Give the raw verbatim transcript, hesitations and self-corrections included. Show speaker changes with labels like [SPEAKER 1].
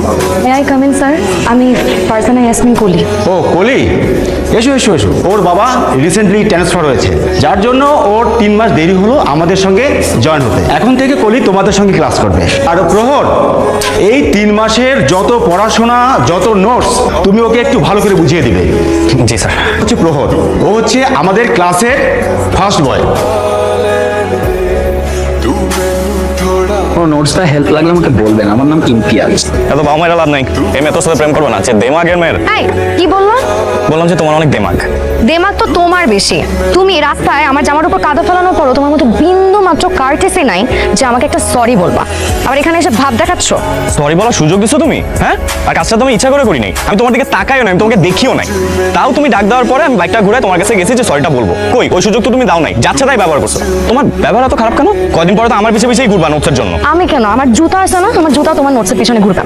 [SPEAKER 1] May I come in sir? আমি ফারজানা ইয়াসমিন কলি।
[SPEAKER 2] ও কলি, এসো এসো এসো। ওর বাবা রিসেন্টলি ট্রান্সফার হয়েছে, যার জন্য ওর তিন মাস দেরি হলো আমাদের সঙ্গে জয়েন হতে। এখন থেকে কলি তোমাদের সঙ্গে ক্লাস করবে। আর প্রহর, এই তিন মাসের যত পড়াশোনা, যত নোটস তুমি ওকে একটু ভালো করে বুঝিয়ে দিবে।
[SPEAKER 3] জি স্যার।
[SPEAKER 2] হচ্ছে প্রহর, ও হচ্ছে আমাদের ক্লাসের ফার্স্ট বয়।
[SPEAKER 4] কোনো নোটসটা হেল্প লাগলে আমাকে বলবেন, আমার নাম ইমতিয়াজ।
[SPEAKER 3] এত বাবা মায়ের লাভ নাই, এই মেয়ে তোর সাথে প্রেম করবে না, যে দেমাগের মেয়ের।
[SPEAKER 1] এই কি বললো?
[SPEAKER 3] বললাম যে তোমার অনেক দেমাগ।
[SPEAKER 1] দেমাগ তো তোমার বেশি। তুমি রাস্তায় আমার জামার উপর কাদা ফেলানোর পরও তোমার মতো বিন্দু মাত্র কার্টেসি নাই যে আমাকে একটা সরি বলবা। আবার এখানে এসে ভাব দেখাচ্ছ।
[SPEAKER 3] সরি বলার সুযোগ দিছো তুমি, হ্যাঁ? আর কাজটা তুমি ইচ্ছা করে করি নাই, আমি তোমার দিকে তাকাইও না, আমি তোমাকে দেখিও নাই। তাও তুমি ডাক দেওয়ার পরে আমি বাইকটা ঘুরে তোমার কাছে গেছি যে সরিটা বলবো। কই ওই সুযোগ তো তুমি দাও নাই, যাচ্ছে তাই ব্যবহার করছো। তোমার ব্যবহার এত খারাপ কেন? কয়দিন পরে তো আমার পিছিয়ে পিছিয়ে ঘুরবা নোটসের জন্য।
[SPEAKER 1] আমি কেন? আমার জুতা আছে না, আমার জুতা তোমার নোটসের পিছনে ঘুরবে।